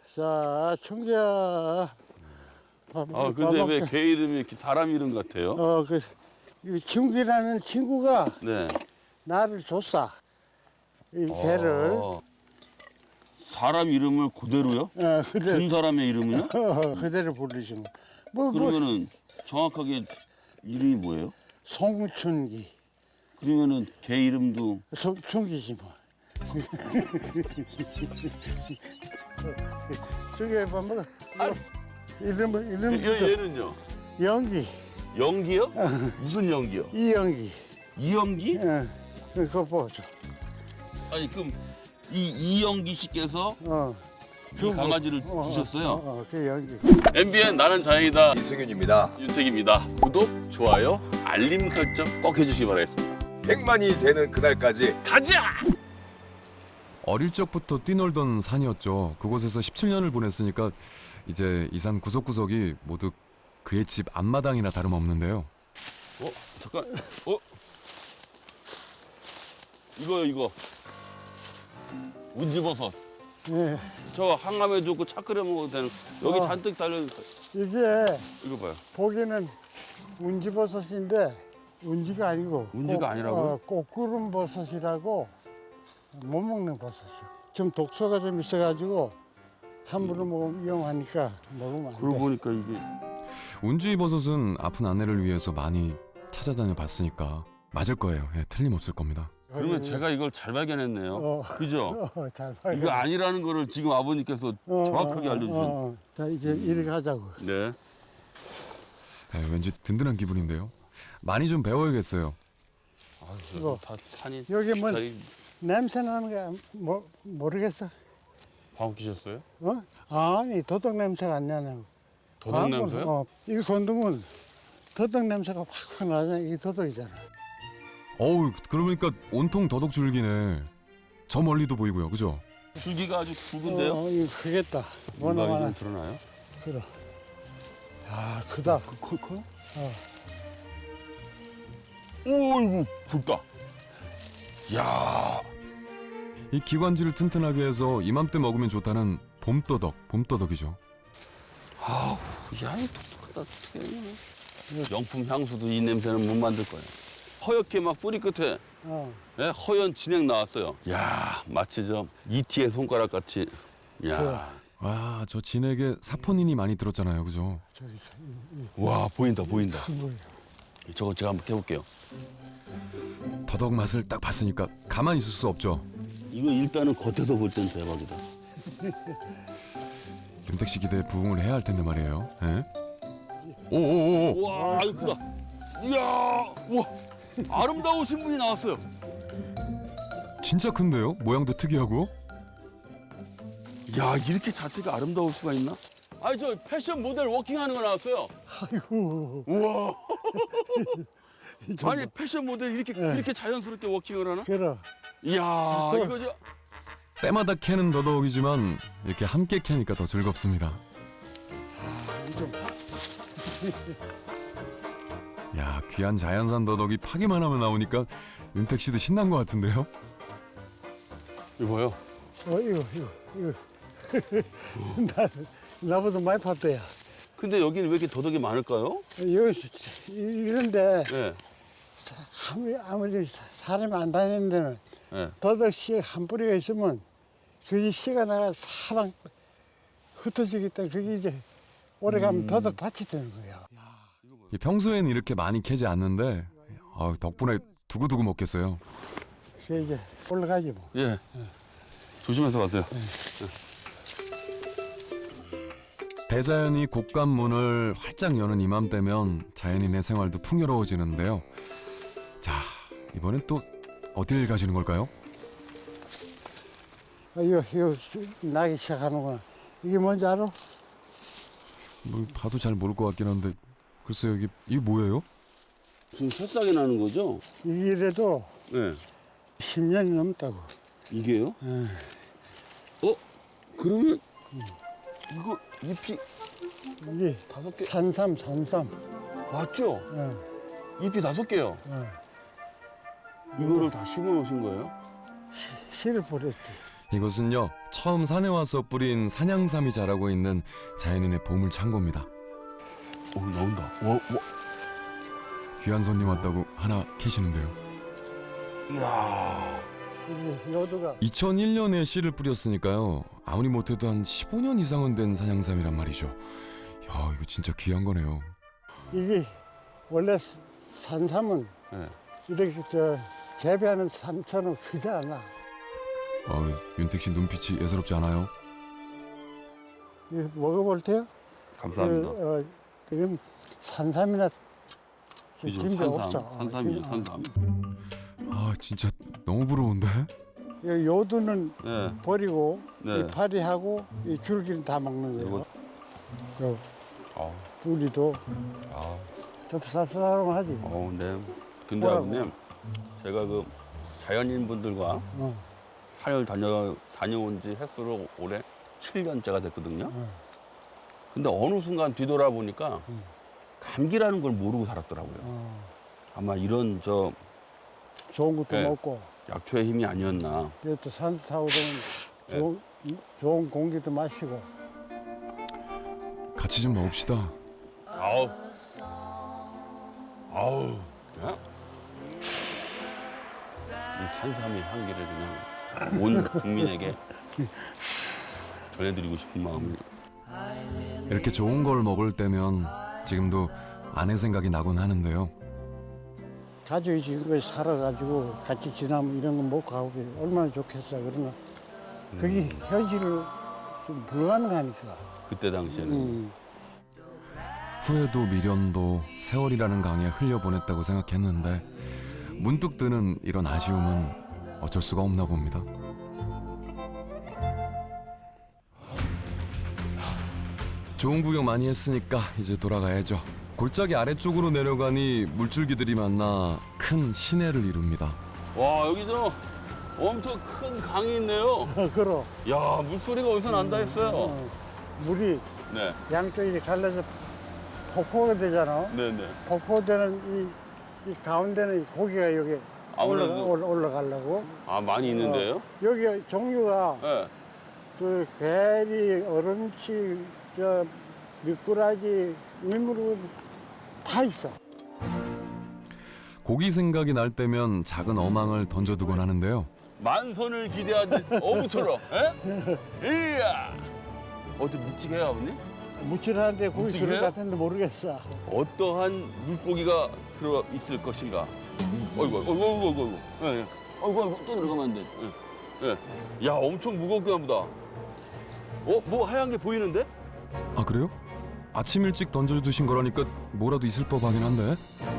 자, 충기야. 아, 근데 왜 개 이름이 이렇게 사람 이름 같아요? 이 충기라는 친구가 네. 나를 줬어. 이 개를. 사람 이름을 그대로요? 그대로, 준 사람의 이름이요? 그대로 부르지 뭐. 그러면은 정확하게 이름이 뭐예요? 송춘기. 그러면은 개 이름도 충기지 뭐. 저기 봐봐. 이름 얘는요? 연기. 연기요? 무슨 연기요? 이연기. 이연기? 그거 보죠. 아니 그럼 이연기 씨께서 이 강아지를 주셨어요? 그 연기. MBN 나는 자연이다 이승윤입니다. 윤택입니다. 구독, 좋아요, 알림 설정 꼭 해주시기 바라겠습니다. 100만이 되는 그날까지 가자! 어릴 적부터 뛰놀던 산이었죠. 그곳에서 17년을 보냈으니까 이제 이 산 구석구석이 모두 그의 집 앞마당이나 다름없는데요. 잠깐. 이거. 운지버섯. 예. 저 항암에 좋고 차 끓여 먹어도 되는. 여기 잔뜩 달려있어요. 이게 이거 봐요. 보기는 운지버섯인데 운지가 아니고 운지가 아니라고요? 꽃구름 버섯이라고 못 먹는 버섯이요. 좀 독소가 좀 있어가지고 함부로 먹으면 위험하니까 먹으면 안 돼. 그러고 보니까 이게 운지버섯은 아픈 아내를 위해서 많이 찾아다녀 봤으니까 맞을 거예요. 예, 틀림없을 겁니다. 그러면 제가 이걸 잘 발견했네요. 그죠? 잘 이거 아니라는 거를 지금 아버님께서 정확하게 알려주신. 자, 이제 이렇게 하자고. 네. 예, 왠지 든든한 기분인데요. 많이 좀 배워야겠어요. 이거. 다 산이. 여기 뭐 자리 냄새 나는 거 모르겠어. 방귀 끼셨어요? 아니 도덕 냄새가 안 나냐고. 도덕 냄새요? 이거 건드면 도덕 냄새가 확확 나잖아. 이게 도덕이잖아. 어우, 그러니까 온통 더덕 줄기네. 저 멀리도 보이고요. 그죠? 줄기가 아주 굵은데요? 이거 크겠다. 뭐나 음악이 마나. 좀 드러나요? 들어. 아, 크다. 커요? 오, 이거 굵다. 야, 이 기관지를 튼튼하게 해서 이맘때 먹으면 좋다는 봄더덕이죠. 야, 이 독특하다. 어떡해. 명품 향수도 이 냄새는 못 만들 거예요. 허옇게 막 뿌리 끝에 네, 허연 진액 나왔어요. 야, 마치 저 이티의 손가락 같이. 야, 와, 저 진에게 사포닌이 많이 들었잖아요. 그죠? 와, 보인다. 물. 저거 제가 한번 해볼게요. 더덕 맛을 딱 봤으니까 가만히 있을 수 없죠. 이거 일단은 겉에서 볼 땐 대박이다. 윤택 씨 기대에 부응을 해야 할 텐데 말이에요. 예? 오오오오. 와, 이거 크다. 이야, 와, 아름다우신 분이 나왔어요. 진짜 큰데요? 모양도 특이하고. 야, 이렇게 자태가 아름다울 수가 있나? 아니, 저 패션 모델 워킹하는 거 나왔어요. 아이고. 우와. 아니, 패션 모델 이렇게 자연스럽게 워킹을 하나? 그래. 이야, 이거 저 때마다 캐는 더덕이지만 이렇게 함께 캐니까 더 즐겁습니다. 야, 귀한 자연산 더덕이 파기만 하면 나오니까 윤택 씨도 신난 것 같은데요? 이거요. 이거. 나보다 많이 팠대야. 근데 여기는 왜 이렇게 더덕이 많을까요? 이런데 네. 아무리 사람이 안 다니는 데는 네. 더덕 씨 한 뿌리가 있으면 그게 씨가 나가 사방 흩어지기 때문에 그게 이제 오래 가면 더덕 밭이 되는 거야. 평소에는 이렇게 많이 캐지 않는데 덕분에 두고두고 먹겠어요. 그게 이제 올라가지 뭐. 예. 조심해서 가세요. 대자연이 곡간문을 활짝 여는 이맘때면 자연인의 생활도 풍요로워지는데요. 자, 이번엔 또 어딜 가시는 걸까요? 이거 나기 시작하는구나. 이게 뭔지 알아? 뭐 봐도 잘 모를 것 같긴 한데 글쎄요, 이게 뭐예요? 지금 새싹이 나는 거죠? 이래도 네. 10년이 넘다고. 이게요? 그러면 이거 잎이 이게 5개 산삼. 맞죠? 잎이 5개요. 이거를 다 심어 놓으신 거예요? 씨를 뿌렸지. 이곳은요 처음 산에 와서 뿌린 산양삼이 자라고 있는 자연인의 보물 창고입니다. 오, 나온다. 와. 귀한 손님 왔다고 하나 캐시는데요. 이야. 이게 요도가 2001년에 씨를 뿌렸으니까요. 아무리 못해도 한 15년 이상은 된 산양삼이란 말이죠. 야, 이거 진짜 귀한 거네요. 이게 원래 산삼은 네. 이렇게 재배하는 산처럼 크지 않아. 윤택 씨 눈빛이 예사롭지 않아요? 이거 먹어볼 때요? 감사합니다. 지금 산삼이나 이죠, 진배 없어. 산삼이죠, 산삼. 아, 진짜 너무 부러운데? 이 요두는 네. 버리고 네. 이 파리하고 이 줄기는 다 먹는 거예요. 요 아, 뿌리도 아, 좀 쌉싸름하지. 네. 근데 뭐라고? 아버님, 제가 그 자연인 분들과 산을 다녀온 지 횟수로 올해 7년째가 됐거든요. 근데 어느 순간 뒤돌아보니까 감기라는 걸 모르고 살았더라고요. 아마 이런 좋은 것도 네. 먹고 약초의 힘이 아니었나. 또 산 타고 네. 좋은 공기도 마시고. 같이 좀 먹읍시다. 아우. 야? 이 산삼의 향기를 그냥 온 국민에게 전해드리고 싶은 마음이. 이렇게 좋은 걸 먹을 때면 지금도 아내 생각이 나곤 하는데요. 가족이 지금까지 살아가지고 같이 지나면 이런 거 먹고 가고 얼마나 좋겠어. 그러나 그게 현실을 좀 불가능하니까. 그때 당시에는 후회도 미련도 세월이라는 강에 흘려보냈다고 생각했는데 문득 드는 이런 아쉬움은 어쩔 수가 없나 봅니다. 좋은 구경 많이 했으니까 이제 돌아가야죠. 골짜기 아래쪽으로 내려가니 물줄기들이 만나 큰 시내를 이룹니다. 와, 여기 엄청 큰 강이 있네요. 그럼 야, 물소리가 어디서 난다 했어요. 물이 네, 양쪽이 갈라서 폭포가 되잖아. 네네. 폭포되는 이 가운데는 고기가 여기 아무래도- 올라가려고. 아, 많이 있는데요? 여기 종류가 네. 그 괴리, 얼음치, 미꾸라지, 민물고 다 있어. 고기 생각이 날 때면 작은 어망을 던져두곤 하는데요. 만선을 기대하듯 어부처럼. 예? 이야. 어떻게 묵직해요, 아버님? 무칠한데 고기 묵직해요? 들어갔는데 모르겠어. 어떠한 물고기가 들어 있을 것인가? 어이구. 예. 어이구, 또 들어가면 안 돼. 예. 예. 야, 엄청 무겁게 합니다. 뭐 하얀 게 보이는데? 아, 그래요? 아침 일찍 던져두신 거라니까 뭐라도 있을 법하긴 한데.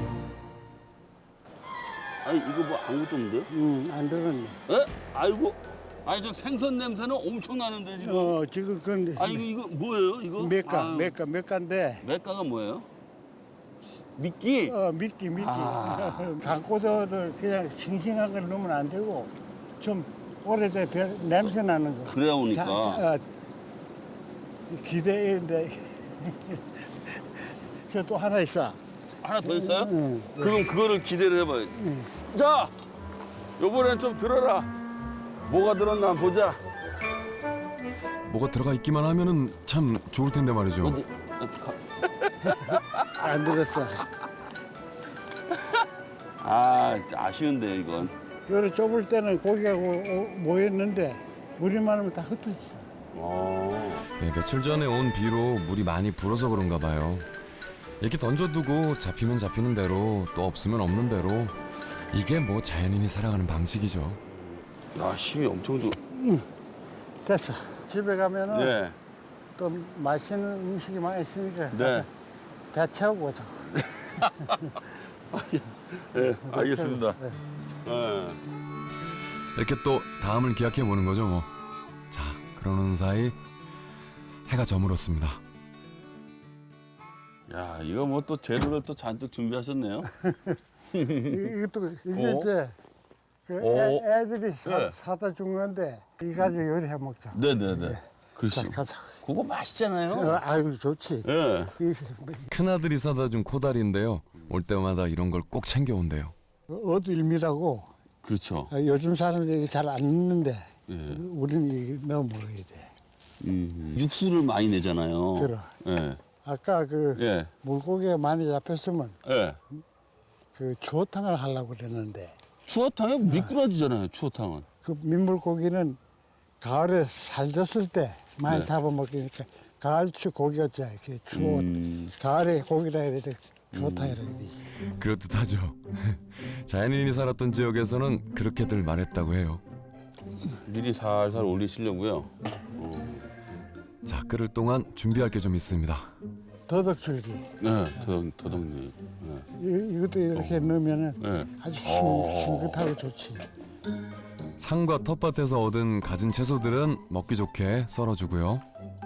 아니, 이거 뭐 아무것도 없는데? 안 들었네. 예? 아이고. 아니, 저 생선 냄새는 엄청 나는데, 지금. 지금 근데 아, 이거 뭐예요, 이거? 몇가인데. 맥가가 뭐예요? 미끼? 미끼. 아. 강고도를 그냥 싱싱한 걸 넣으면 안 되고 좀 오래돼 냄새 나는 거. 그래야 오니까. 기대인데 저 또 하나 있어. 하나 더 있어요? 응. 그럼 그거를 기대를 해봐요. 자, 요번엔 좀 들어라. 뭐가 들었나 한번 보자. 뭐가 들어가 있기만 하면은 참 좋을 텐데 말이죠. 어디? 안 들었어. 아, 아쉬운데 이건. 요래 좁을 때는 고기가 모였는데 물이 많으면 다 흩어지죠. 네, 며칠 전에 온 비로 물이 많이 불어서 그런가 봐요. 이렇게 던져두고 잡히면 잡히는 대로 또 없으면 없는 대로 이게 뭐 자연인이 살아가는 방식이죠. 야, 힘이 엄청 좋. 됐어. 집에 가면은 네. 또 맛있는 음식이 많이 있으니까 네. 가서 배 채우고 오자고. 네, 알겠습니다. 네. 네. 이렇게 또 다음을 기약해 보는 거죠 뭐. 자, 그러는 사이 해가 저물었습니다. 야, 이거 뭐 또 재료를 또 잔뜩 준비하셨네요. 이것도 이게 어? 이제 그 어? 애들이 네. 사다 준 건데 이 가지고 요리해 먹자. 네네네. 글쎄. 자, 가자. 그거 맛있잖아요. 아유 좋지. 예. 큰아들이 사다 준 코다리인데요. 올 때마다 이런 걸 꼭 챙겨온대요. 어두일미라고 그렇죠. 요즘 사람들이 잘 안 읽는데 예. 우리는 이게 넣어 먹어야 돼. 육수를 많이 내잖아요. 그래. 예. 아까 그 예. 물고기가 많이 잡혔으면 예. 그 추어탕을 하려고 그랬는데 추어탕에 미꾸라지잖아요. 추어탕은. 그 민물고기는 가을에 살졌을 때 많이 네. 잡아먹으니까 가을추 고기였죠. 이렇게 추어 가을에 고기라 해야 돼. 추어탕이라 해야 되지. 그렇듯하죠. 자연인이 살았던 지역에서는 그렇게들 말했다고 해요. 미리 살살 올리시려고요. 자, 끓을 동안 준비할 게 좀 있습니다. 더덕줄기. 네, 도덕님. 네. 이것도 이렇게 넣으면은 네. 아주 싱긋하고 좋지. 산과 텃밭에서 얻은 가진 채소들은 먹기 좋게 썰어주고요.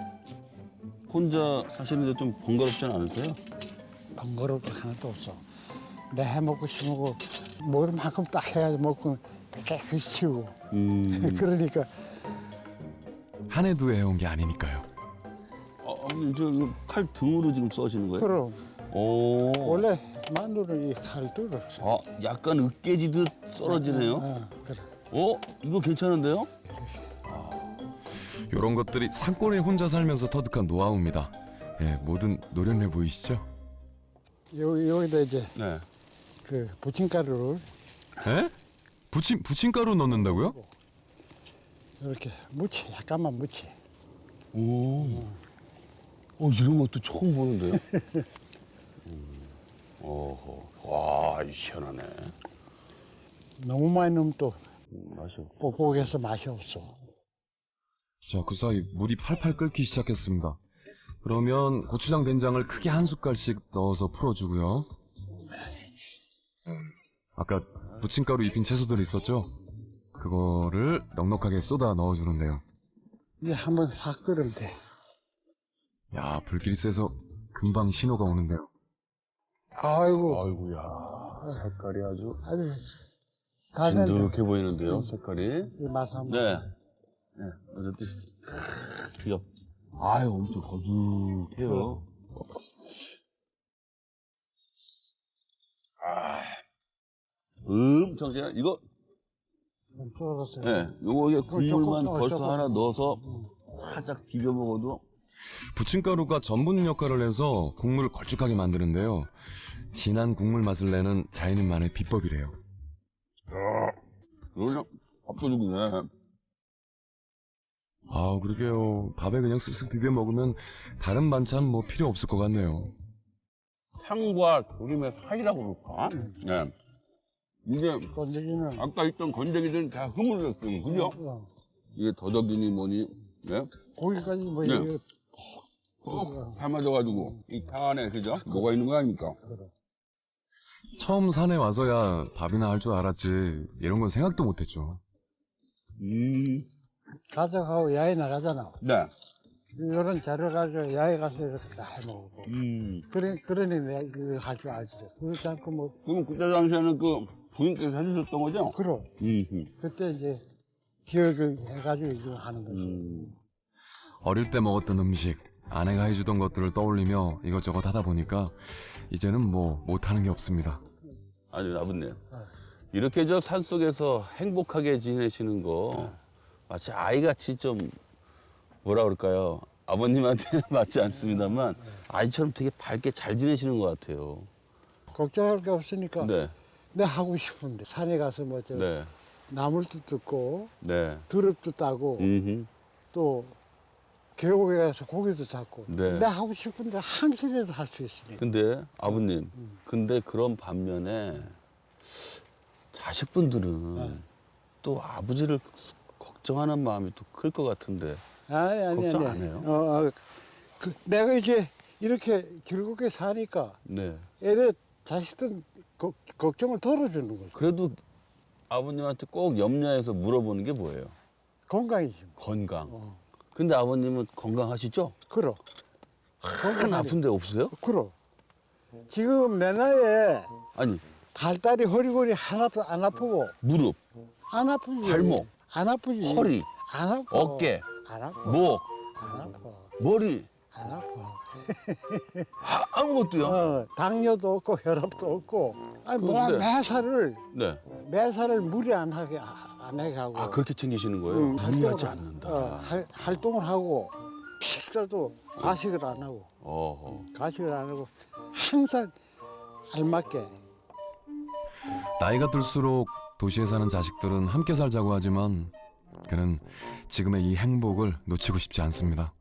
혼자 하시는데 좀 번거롭진 않으세요? 번거로울 거 하나도 없어. 내 해먹고 싶고 먹을 만큼 딱 해야지 먹고 깨끗이 치우고. 그러니까 한 해 두 해 해온 게 아니니까요. 아니, 저 이거 칼 등으로 지금 써시는 거예요? 그럼 오. 원래 마늘은 이 칼도 없어. 아, 약간 으깨지듯 썰어지네요. 그래. 이거 괜찮은데요? 이런 것들이 산골에 혼자 살면서 터득한 노하우입니다. 예, 뭐든 노련해 보이시죠? 여기다 이제 네. 그 부침가루를 에? 부침가루 넣는다고요? 이렇게 묻혀, 약간만 묻혀. 이런 것도 처음 보는데요? 어허. 와, 시원하네. 너무 많이 넣으면 또 맛이 없 뻑뻑해서 맛이 없어. 자, 그 사이 물이 팔팔 끓기 시작했습니다. 그러면 고추장 된장을 크게 한 숟갈씩 넣어서 풀어주고요. 아까 부침가루 입힌 채소들 있었죠? 그거를 넉넉하게 쏟아 넣어주는데요. 이제 한번 확 끓으면 돼. 야, 불길이 세서 금방 신호가 오는데요. 아이고, 아이고야. 색깔이 아주 다 된다. 진득해 보이는데요, 색깔이. 이 맛 한번. 네. 네, 어쨌든 귀엽. 아유, 엄청 거죽해요. 정진아, 이거, 좀 쫄았어요. 네, 요거 이게 국물만 조금, 벌써 조금. 하나 넣어서 살짝 비벼 먹어도 부침가루가 전분 역할을 해서 국물을 걸쭉하게 만드는데요. 진한 국물 맛을 내는 자연인만의 비법이래요. 그냥 압도적이네. 아, 그러게요. 밥에 그냥 쓱쓱 비벼 먹으면 다른 반찬 뭐 필요 없을 것 같네요. 향과 조림의 사이라고 그럴까? 네. 이게 건더기는 아까 있던 건더기들은 다 흐물렸어요, 그죠? 이게 더덕이니 뭐니, 네? 고기까지 뭐 네. 이게 꼭 삶아져가지고 이 탕 안에 그죠? 뭐가 있는 거 아닙니까? 처음 산에 와서야 밥이나 할 줄 알았지 이런 건 생각도 못했죠. 가족하고 야외 나가잖아. 네. 이런 자료 가지고 야외 가서 이렇게 다 해먹고. 그러니 내가 이거 할 줄 알지. 그렇지 않고 뭐, 그럼 그때 당시에는 그 부인께서 해주셨던 거죠? 그럼. 그때 이제 기억을 해가지고 이거 하는 거지. 어릴 때 먹었던 음식, 아내가 해주던 것들을 떠올리며 이것저것 하다 보니까 이제는 뭐 못하는 게 없습니다. 아니, 아버님. 이렇게 저 산속에서 행복하게 지내시는 거 마치 아이같이 좀 뭐라 그럴까요? 아버님한테는 맞지 않습니다만 아이처럼 되게 밝게 잘 지내시는 것 같아요. 걱정할 게 없으니까 네. 내가 하고 싶은데 산에 가서 뭐 저 네. 나물도 뜯고 네. 드럽도 따고 또 계곡에 가서 고기도 잡고 네. 내가 하고 싶은데 한시라도 할 수 있으니까. 근데 아버님, 근데 그런 반면에 자식분들은 또 아버지를 걱정하는 마음이 또 클 것 같은데 아니 걱정 안 해요? 내가 이제 이렇게 즐겁게 사니까 네. 애들 자식들 걱정을 덜어주는 거죠. 그래도 아버님한테 꼭 염려해서 물어보는 게 뭐예요? 건강이지. 건강. 근데 아버님은 건강하시죠? 그럼. 한 아픈 데 없어요? 그럼. 지금 내 나이에 아니, 발다리 허리골이 하나도 안 아프고 무릎, 안 아프지. 발목, 안 아프지. 허리, 안 아파. 어깨, 안 아파. 목, 안 아파. 머리. 안 아파. 아무것도요? 당뇨도 없고 혈압도 없고. 아니 뭐 그런데- 매사를 네. 무리 안 하게 하고. 아 그렇게 챙기시는 거예요? 무리하지 않는다. 활동을 하고 식사도 과식을 안 하고 어허. 과식을 안 하고 항상 알맞게. 나이가 들수록 도시에 사는 자식들은 함께 살자고 하지만 그는 지금의 이 행복을 놓치고 싶지 않습니다.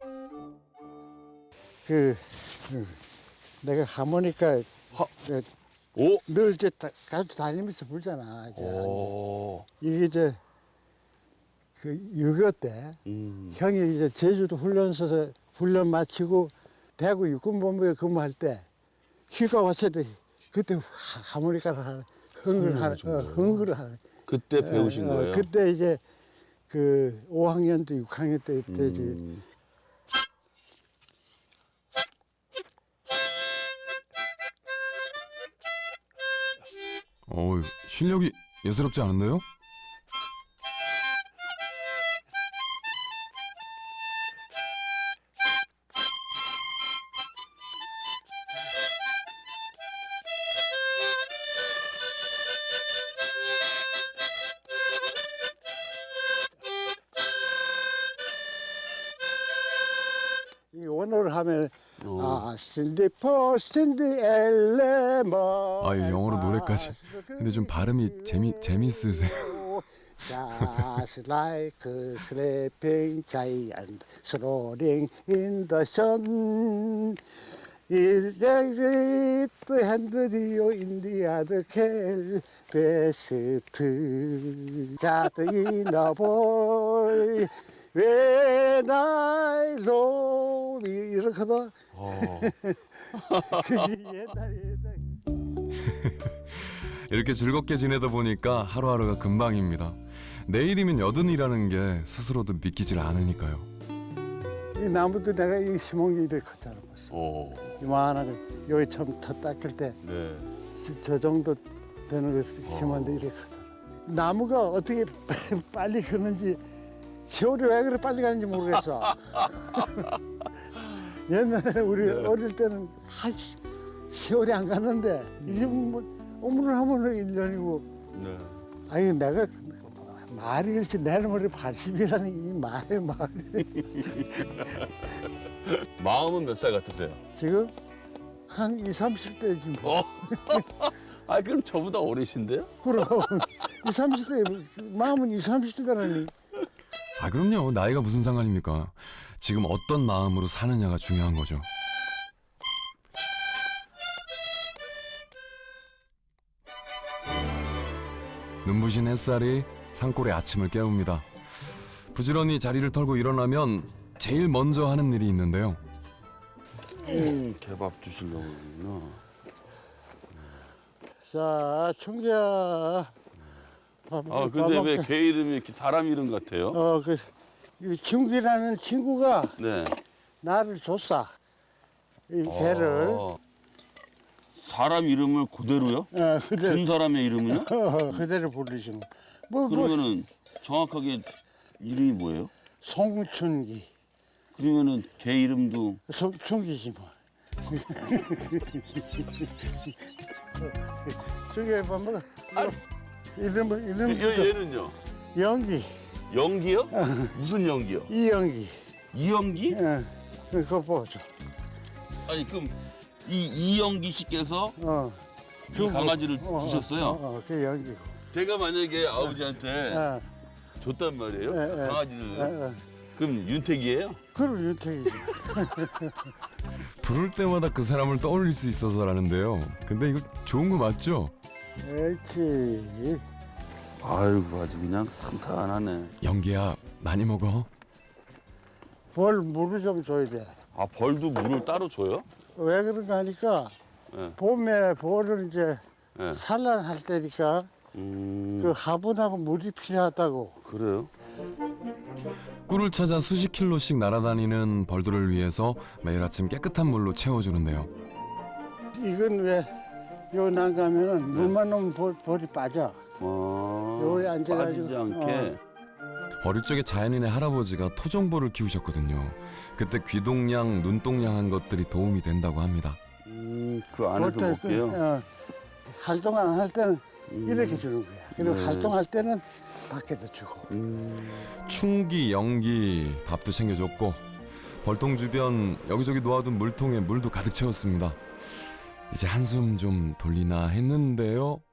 내가 하모니카 오. 늘 이제 가지고 다니면서 불잖아. 이제. 오. 이게 이제 그 6.25 때 형이 이제 제주도 훈련소에서 훈련 마치고 대구 육군본부에 근무할 때 휴가 왔을 때 그때 하모니카를 하는 흥을 하는. 그때 배우신 거예요? 그때 이제 그 5학년 때 6학년 때지. 실력이 예사롭지 않은데요? 이 원어를 하면 신디포 신디 엘레머. 영어로 노래까지. 근데 좀 발음이 재밌으세요. Just like a sleeping giant soaring in the sun. Is the handle in the other best. Just in a boy. When I love 이렇게 하다. 옛날. 이렇게 즐겁게 지내다 보니까 하루하루가 금방입니다. 내일이면 여든이라는 게 스스로도 믿기질 않으니까요. 이 나무도 내가 이 심은 게 이렇게 컸잖아 벌써. 오. 이만한 거 여기 처음 터 닦을 때 저 네. 정도 되는 거 심었는데 이렇게 컸잖아. 나무가 어떻게 빨리 크는지 세월이 왜 그렇게 빨리 가는지 모르겠어. 옛날에 우리 어릴 때는 세월이 안 갔는데 이제 뭐 오물을 하면 1년이고. 네. 아니 내가 말이 그렇지 내 머리 80이라는 이 말이 마음은 몇 살 같으세요? 지금 한 20, 30대지 뭐. 아 그럼 저보다 어리신데요? 그럼 20, 30대 마음은 20, 30대라니. 그럼요. 나이가 무슨 상관입니까? 지금 어떤 마음으로 사느냐가 중요한 거죠. 눈부신 햇살이 산골의 아침을 깨웁니다. 부지런히 자리를 털고 일어나면 제일 먼저 하는 일이 있는데요. 개밥 주시려고 그러구나. 자, 충기야. 근데 왜 개 이름이 이렇게 사람 이름 같아요? 이 충기라는 친구가 네. 나를 줬어. 이 개를. 사람 이름을 그대로요? 그대로, 준 사람의 이름은요? 그대로 부르지 뭐. 그러면은 정확하게 이름이 뭐예요? 송춘기. 그러면은 개 이름도 충기지 뭐. 충기야, 밥 먹어. 이름은 얘는요? 연기. 연기요? 무슨 연기요? 이연기. 이연기? 그거 보죠. 아니 그럼 이연기 씨께서 이 강아지를 주셨어요? 그 연기고. 제가 만약에 아버지한테 줬단 말이에요? 강아지를. 그럼 윤택이에요? 그럼 윤택이지. 부를 때마다 그 사람을 떠올릴 수 있어서라는데요. 근데 이거 좋은 거 맞죠? 그렇지. 아이고 아주 그냥 탄탄하네. 연기야, 많이 먹어. 물을 좀 줘야 돼. 아 벌도 물을 따로 줘요? 왜 그런가 하니까 네. 봄에 벌을 이제 네. 산란할 때니까 그 화분하고 물이 필요하다고. 그래요? 꿀을 찾아 수십 킬로씩 날아다니는 벌들을 위해서 매일 아침 깨끗한 물로 채워주는데요. 이건 왜 요 난가면은 물만 넣으면 벌이 빠져. 여기 앉아가지고. 빠지지 않게. 어릴 적에 자연인의 할아버지가 토종보를 키우셨거든요. 그때 귀동냥, 눈동냥한 것들이 도움이 된다고 합니다. 그 안에서 볼 때, 볼게요. 활동 안 할 때는 이렇게 주는 거야. 그리고 활동할 때는 밖에도 주고. 충기, 연기, 밥도 챙겨줬고 벌통 주변 여기저기 놓아둔 물통에 물도 가득 채웠습니다. 이제 한숨 좀 돌리나 했는데요.